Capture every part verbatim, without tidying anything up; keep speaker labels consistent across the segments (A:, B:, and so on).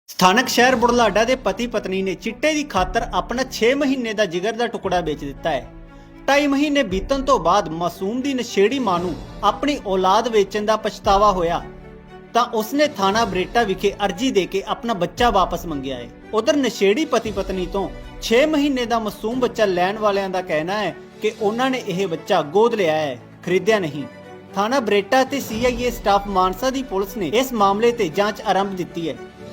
A: ਸਥਾਨਕ ਸ਼ਹਿਰ ਬੁਢਲਾਡਾ ਦੇ ਪਤੀ ਪਤਨੀ ਨੇ ਚਿੱਟੇ ਦੀ ਖਾਤਰ ਆਪਣਾ ਛੇ ਮਹੀਨੇ ਦਾ ਜਿਗਰ ਦਾ ਟੁਕੜਾ ਵੇਚ ਦਿੱਤਾ ਹੈ। ਢਾਈ ਮਹੀਨੇ ਬੀਤਣ ਤੋਂ ਬਾਅਦ ਮਾਸੂਮ ਦੀ ਨਸ਼ੇੜੀ ਮਾਂ ਨੂੰ ਆਪਣੀ ਔਲਾਦ ਵੇਚਣ ਦਾ ਪਛਤਾਵਾ ਹੋਇਆ ਤਾਂ ਉਸਨੇ ਥਾਣਾ ਬਰੇਟਾ ਵਿਖੇ ਅਰਜੀ ਦੇ ਕੇ ਆਪਣਾ ਬੱਚਾ ਵਾਪਸ ਮੰਗਿਆ ਹੈ। ਉਧਰ ਨਸ਼ੇੜੀ ਪਤੀ ਪਤਨੀ ਤੋਂ ਛੇ ਮਹੀਨੇ ਦਾ ਮਾਸੂਮ ਬੱਚਾ ਲੈਣ ਵਾਲਿਆਂ ਦਾ ਕਹਿਣਾ ਹੈ ਕਿ ਉਹਨਾਂ ਨੇ ਇਹ ਬੱਚਾ ਗੋਦ ਲਿਆ ਹੈ, ਖਰੀਦਿਆ ਨਹੀਂ। ਥਾਣਾ ਬਰੇਟਾ ਤੇ C I A staff Mansa ਦੀ ਪੁਲਿਸ ਨੇ ਇਸ ਮਾਮਲੇ ਤੇ ਜਾਂਚ ਆਰੰਭ ਦਿੱਤੀ ਹੈ।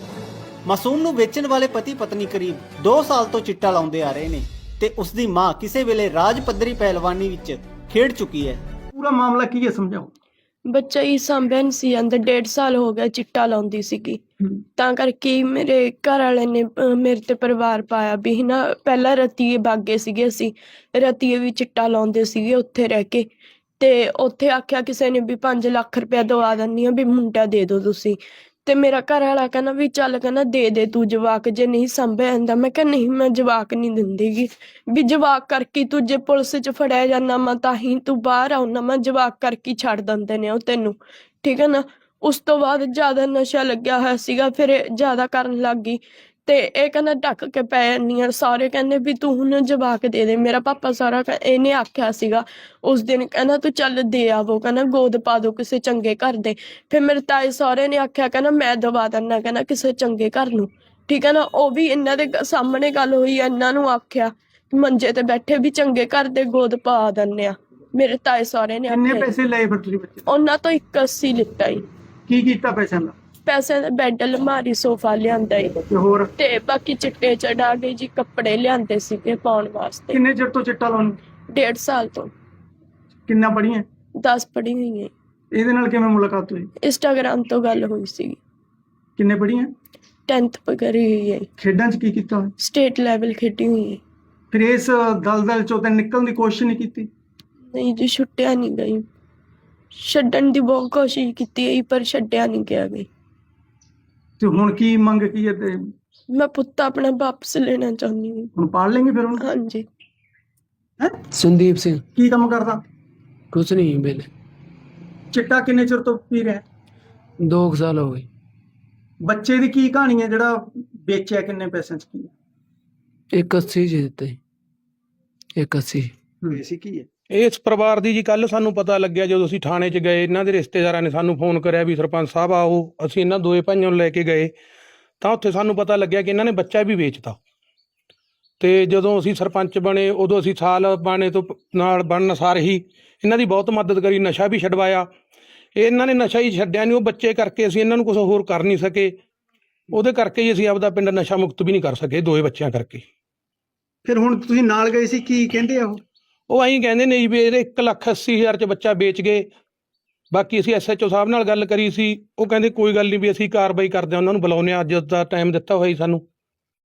A: ਮਾਸੂਮ ਨੂੰ ਵੇਚਣ ਵਾਲੇ ਪਤੀ ਪਤਨੀ ਕਰੀਬ ਦੋ ਸਾਲ ਤੋਂ ਚਿੱਟਾ ਲਾਉਂਦੇ ਆ ਰਹੇ ਨੇ ਤੇ ਉਸ ਦੀ ਮਾਂ ਕਿਸੇ ਵੇਲੇ ਰਾਜ ਪੱਧਰੀ ਪਹਿਲਵਾਨੀ ਵਿੱਚ ਖੇਡ ਚੁੱਕੀ ਹੈ।
B: ਪੂਰਾ ਮਾਮਲਾ ਕੀ ਹੈ ਸਮਝਾਓ।
C: ਬੱਚਾ ਹੀ ਸਾਂਭਿਆ ਨਹੀਂ ਸੀ ਅੰਦਰ ਡੇਢ ਸਾਲ ਹੋ ਗਿਆ ਚਿੱਟਾ ਲਾਉਂਦੀ ਸੀਗੀ ਤਾਂ ਕਰਕੇ ਮੇਰੇ ਘਰ ਵਾਲੇ ਨੇ ਅਹ, ਮੇਰੇ ਤੇ ਪਰਿਵਾਰ ਪਾਇਆ ਵੀ ਨਾ ਪਹਿਲਾਂ ਰਤੀਏ ਬਾਗੇ ਸੀਗੇ, ਅਸੀਂ ਰਤੀਏ ਵੀ ਚਿੱਟਾ ਲਾਉਂਦੇ ਸੀਗੇ ਉੱਥੇ ਰਹਿ ਕੇ ਤੇ ਉੱਥੇ ਆਖਿਆ ਕਿਸੇ ਨੇ ਵੀ ਪੰਜ ਲੱਖ ਰੁਪਇਆ ਦਵਾ ਦਿੰਦੀ ਆ ਵੀ ਮੁੰਡਾ ਦੇ ਦਿਓ ਤੁਸੀਂ। ਤੇ ਮੇਰਾ ਘਰ ਵਾਲਾ ਕਹਿੰਦਾ ਵੀ ਚੱਲ ਕਹਿੰਦਾ ਦੇ ਦੇ ਤੂੰ ਜਵਾਕ ਜੇ ਨਹੀਂ ਸੰਭਿਆ ਜਾਂਦਾ। ਮੈਂ ਕਿਹਾ ਨਹੀਂ ਮੈਂ ਜਵਾਕ ਨਹੀਂ ਦਿੰਦੀਗੀ ਵੀ ਜਵਾਕ ਕਰਕੇ ਤੂੰ ਜੇ ਪੁਲਿਸ 'ਚ ਫੜਿਆ ਜਾਂਦਾ ਮੈਂ ਤਾਂ ਹੀ ਤੂੰ ਬਾਹਰ ਆਉਣਾ ਮੈਂ ਜਵਾਕ ਕਰਕੇ ਛੱਡ ਦਿੰਦੇ ਨੇ ਉਹ ਤੈਨੂੰ, ਠੀਕ ਹੈ ਨਾ। ਉਸ ਤੋਂ ਬਾਅਦ ਜ਼ਿਆਦਾ ਨਸ਼ਾ ਲੱਗਿਆ ਹੋਇਆ ਸੀਗਾ, ਫਿਰ ਇਹ ਜ਼ਿਆਦਾ ਕਰਨ ਲੱਗ ਗਈ ਤੇ ਇਹ ਕਹਿੰਦਾ ਢੱਕ ਕੇ ਪੈ ਜਾਂਦੀ ਆ। ਸਾਰੇ ਕਹਿੰਦੇ ਵੀ ਤੂੰ ਹੁਣ ਜਵਾਕ ਦੇ ਦੇ। ਮੇਰਾ ਪਾਪਾ ਸਾਰਾ ਕਹਿ- ਇਹਨੇ ਆਖਿਆ ਸੀਗਾ ਉਸ ਦਿਨ, ਕਹਿੰਦਾ ਤੂੰ ਚੱਲ ਦੇ ਆਵੋ, ਕਹਿੰਦਾ ਗੋਦ ਪਾ ਦੋ ਕਿਸੇ ਚੰਗੇ ਘਰ ਦੇ। ਫਿਰ ਮੇਰੇ ਤਾਏ ਸਹੁਰੇ ਨੇ ਆਖਿਆ ਕਹਿੰਦਾ ਮੈਂ ਦਵਾ ਦਿੰਦਾ, ਕਹਿੰਦਾ ਕਿਸੇ ਚੰਗੇ ਘਰ ਨੂੰ, ਠੀਕ ਹੈ ਨਾ। ਉਹ ਵੀ ਇਹਨਾਂ ਦੇ ਗ- ਸਾਹਮਣੇ ਗੱਲ ਹੋਈ, ਇਹਨਾਂ ਨੂੰ ਆਖਿਆ ਮੰਜੇ ਤੇ ਬੈਠੇ ਵੀ ਚੰਗੇ ਘਰ ਦੇ ਗੋਦ ਪਾ ਦਿੰਦੇ ਆ। ਮੇਰੇ ਤਾਏ ਸਹੁਰੇ ਨੇ
B: ਕਿੰਨੇ
C: ਆਖਿਆ
B: ਪੈਸੇ ਲਏ ਫਿਰ ਤੁਸੀਂ ਬੱਚੇ ਤੋਂ?
C: ਉਹਨਾਂ ਤੋਂ ਇੱਕ ਅੱਸੀ ਲਿੱਤਾ ਈ।
B: ਕੀ ਕੀਤਾ ਪੈਸਿਆਂ ਦਾ
C: ਪੈਸੇ ਦਾ ਬੈੱਡ ਅਲਮਾਰੀ ਸੋਫਾ ਲਿਆਂਦਾ ਈ
B: ਤੇ ਹੋਰ
C: ਤੇ ਬਾਕੀ ਚਿੱਟੇ ਚੜਾ ਕੇ ਜੀ ਕੱਪੜੇ ਲਿਆਂਦੇ ਸੀਗੇ ਪਾਉਣ ਵਾਸਤੇ।
B: ਕਿੰਨੇ ਚਿਰ ਤੋਂ ਚਿੱਟਾ ਲਾਉਣ?
C: ਡੇਢ ਸਾਲ ਤੋਂ।
B: ਕਿੰਨਾ ਪੜੀਆਂ?
C: ਦਸ ਪੜ੍ਹੀ ਹੋਈ ਹੈ।
B: ਇਹਦੇ ਨਾਲ ਕਿਵੇਂ ਮੁਲਾਕਾਤ ਹੋਈ?
C: ਇੰਸਟਾਗ੍ਰਾਮ ਤੋਂ ਗੱਲ ਹੋਈ ਸੀ।
B: ਕਿੰਨੇ ਪੜੀਆਂ?
C: ਟੈਂਥ ਕਰੀ ਹੋਈ ਹੈ।
B: ਖੇਡਾਂ 'ਚ ਕੀ ਕੀਤਾ ਹੋਇਆ?
C: ਸਟੇਟ ਲੈਵਲ ਖੇਡੀ ਹੋਈ ਹੈ।
B: ਫਿਰ ਇਸ ਦਲਦਲ ਚੋਂ ਤਾਂ ਨਿਕਲਣ ਦੀ ਕੋਸ਼ਿਸ਼ ਨਹੀਂ ਕੀਤੀ?
C: ਨਹੀਂ ਜੀ ਛੁੱਟਿਆ ਨਹੀਂ ਗਈ, ਛੱਡਣ ਦੀ ਬਹੁਤ ਕੋਸ਼ਿਸ਼ ਕੀਤੀ ਹੈ ਪਰ ਛੱਡਿਆ ਨਹੀਂ ਗਿਆ ਗਈ।
B: ਤੇ ਹੁਣ ਕੀ ਮੰਗ ਕੀ ਹੈ ਤੇ
C: ਮੈਂ ਪੁੱਤ ਆਪਣਾ ਵਾਪਸ ਲੈਣਾ ਚਾਹੁੰਦੀ ਹਾਂ।
B: ਹੁਣ ਪਾਲ ਲੈਂਗੇ ਫਿਰ ਹੁਣ?
C: ਹਾਂਜੀ।
B: ਹੈਂ?
D: ਸੰਦੀਪ ਸਿੰਘ।
B: ਕੀ ਕੰਮ ਕਰਦਾ?
D: ਕੁਛ ਨਹੀਂ ਵੇਲੇ
B: ਚਿੱਟਾ ਕਿੰਨੇ ਚਿਰ ਤੋਂ ਪੀ ਰਿਹਾ?
D: ਦੋ ਕੁ ਸਾਲ ਹੋ ਗਏ।
B: ਬੱਚੇ ਦੀ ਕੀ ਕਹਾਣੀ ਹੈ ਜਿਹੜਾ ਵੇਚਿਆ, ਕਿੰਨੇ ਪੈਸਿਆਂ 'ਚ ਕੀ ਹੈ?
D: ਇੱਕ ਅੱਸੀ ਜੀ ਦਿੱਤੇ, ਇੱਕ ਅੱਸੀ।
B: ਸੀ ਕੀ ਹੈ?
E: ਇਸ ਪਰਿਵਾਰ ਦੀ ਜੀ ਕੱਲ ਸਾਨੂੰ ਪਤਾ ਲੱਗਿਆ ਜਦੋਂ ਅਸੀਂ ਥਾਣੇ 'ਚ ਗਏ। ਇਹਨਾਂ ਦੇ ਰਿਸ਼ਤੇਦਾਰਾਂ ਨੇ ਸਾਨੂੰ ਫੋਨ ਕਰਿਆ ਵੀ ਸਰਪੰਚ ਸਾਹਿਬ ਆਓ। ਅਸੀਂ ਇਹਨਾਂ ਦੋਏ ਭਾਈਆਂ ਨੂੰ ਲੈ ਕੇ ਗਏ ਤਾਂ ਉੱਥੇ ਸਾਨੂੰ ਪਤਾ ਲੱਗਿਆ ਕਿ ਇਹਨਾਂ ਨੇ ਬੱਚਾ ਵੀ ਵੇਚਤਾ। ਤੇ ਜਦੋਂ ਅਸੀਂ ਸਰਪੰਚ ਬਣੇ ਉਦੋਂ ਅਸੀਂ ਸਾਲ ਬਾਣੇ ਤੋਂ ਪ- ਨਾਲ ਬਣਨ ਸਾਰ ਹੀ ਇਹਨਾਂ ਦੀ ਬਹੁਤ ਮਦਦ ਕਰੀ, ਨਸ਼ਾ ਵੀ ਛਡਵਾਇਆ। ਇਹਨਾਂ ਨੇ ਨਸ਼ਾ ਹੀ ਛੱਡਿਆ ਨਹੀਂ, ਉਹ ਬੱਚੇ ਕਰਕੇ ਅਸੀਂ ਇਹਨਾਂ ਨੂੰ ਕੁਝ ਹੋਰ ਕਰ ਨਹੀਂ ਸਕੇ। ਉਹਦੇ ਕਰਕੇ ਹੀ ਅਸੀਂ ਆਪਦਾ ਪਿੰਡ ਨਸ਼ਾ ਮੁਕਤ ਵੀ ਨਹੀਂ ਕਰ ਸਕੇ, ਦੋਏ ਬੱਚਿਆਂ ਕਰਕੇ।
B: ਫਿਰ ਹੁਣ ਤੁਸੀਂ ਨਾਲ ਗਏ ਸੀ, ਕੀ ਕਹਿੰਦੇ ਆ ਉਹ?
E: ਉਹ ਐਂ ਕਹਿੰਦੇ ਨੇ ਜੀ ਵੀ ਇਹਦੇ ਇੱਕ ਲੱਖ ਅੱਸੀ ਹਜ਼ਾਰ 'ਚ ਬੱਚਾ ਵੇਚ ਗਏ। ਬਾਕੀ ਅਸੀਂ ਐਸ ਐਚ ਓ ਸਾਹਿਬ ਨਾਲ ਗੱਲ ਕਰੀ ਸੀ, ਉਹ ਕਹਿੰਦੇ ਕੋਈ ਗੱਲ ਨਹੀਂ ਵੀ ਅਸੀਂ ਕਾਰਵਾਈ ਕਰਦੇ ਹਾਂ, ਉਹਨਾਂ ਨੂੰ ਬੁਲਾਉਂਦੇ ਹਾਂ। ਅੱਜ ਦਾ ਟਾਈਮ ਦਿੱਤਾ ਹੋਇਆ ਜੀ ਸਾਨੂੰ।